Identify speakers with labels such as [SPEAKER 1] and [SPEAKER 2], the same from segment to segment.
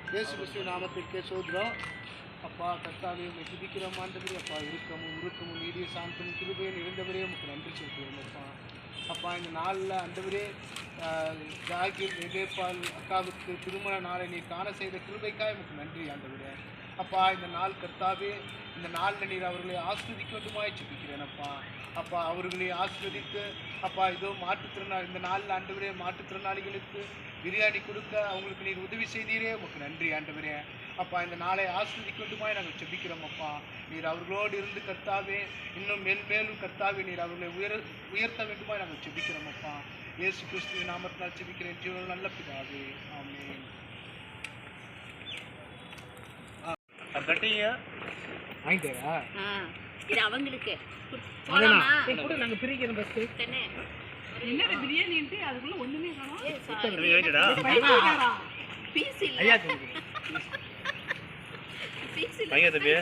[SPEAKER 1] இயேசு கிறிஸ்துவின் நாமத்திற்கே சோதரம். அப்பா கர்த்தாவே உம்மை துதிக்கிறோம் ஆண்டவரே. அப்பா உருக்கமும் நீடிய சாந்தமும் கிருபையும் இருந்தவரே உமக்கு நன்றி சொல்கிறோம். அப்பா இந்த நாளில் ஆண்டவரே ஜாகிர் விவேபால் அக்காவுக்கு திருமண நாளை நீர் காண செய்த கிருபைக்காய் உமக்கு நன்றி ஆண்டவரே. அப்பா இந்த நாள் கர்த்தாவே, இந்த நாளில் நீர் அவர்களை ஆஸ்வதிக்கொண்டுமாய் ஜெபிக்கிறேன். அப்பா அவர்களை ஆஸ்வதித்து அப்பா இதோ இந்த நாளில் ஆண்டவரே மாற்றுத்திறனாளிகளுக்கு பிரியாணி கொடுக்க அவங்களுக்கு நீர் உதவி செய்தீரே உமக்கு நன்றி ஆண்டவரே. அப்பா இந்த நாளை ஆஸ்வதிக்கொண்டுமாய் நாங்கள் ஜெபிக்கிறோம். அப்பா நீர் அவர்களோடு இருந்து கர்த்தாவே இன்னும் மேலும் கர்த்தாவே நீர் அவர்களை உயர்த்த வேண்டுமாய் நாங்கள் ஜெபிக்கிறோம். அப்பா இயேசு கிறிஸ்துவின் நாமத்தினால் ஜெபிக்கிறேன் ஜீவன் நல்ல பிதாவே, ஆமென். வாங்கிட்டேரா
[SPEAKER 2] இது அவங்களுக்கு
[SPEAKER 1] நாங்கள் பிரிக்கிறோம். பஸ்
[SPEAKER 2] என்ன பிரியாணின்ட்டு அதுக்குள்ள ஒண்ணுமே காணோம். பீஸ் இல்ல
[SPEAKER 1] ஐயா
[SPEAKER 2] பீஸ் இல்ல
[SPEAKER 3] ஐயா தம்பி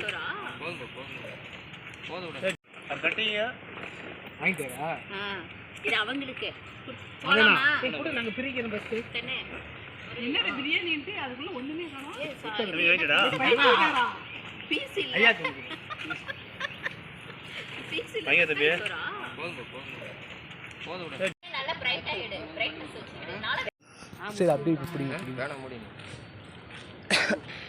[SPEAKER 1] வாங்கிட்டேரா
[SPEAKER 2] இது அவங்களுக்கு
[SPEAKER 1] நாங்கள் பிரிக்கிறோம். பஸ்
[SPEAKER 2] என்ன பிரியாணின்ட்டு அதுக்குள்ள ஒண்ணுமே காணோம். பீஸ் இல்ல
[SPEAKER 1] ஐயா
[SPEAKER 2] பீஸ் இல்ல
[SPEAKER 3] ஐயா தம்பி
[SPEAKER 2] நல்ல பிரைட்டா எடு, பிரைட்னஸ் வச்சிடு.
[SPEAKER 1] சரி அப்படியே இப்படி
[SPEAKER 3] வேணாம் முடியும்.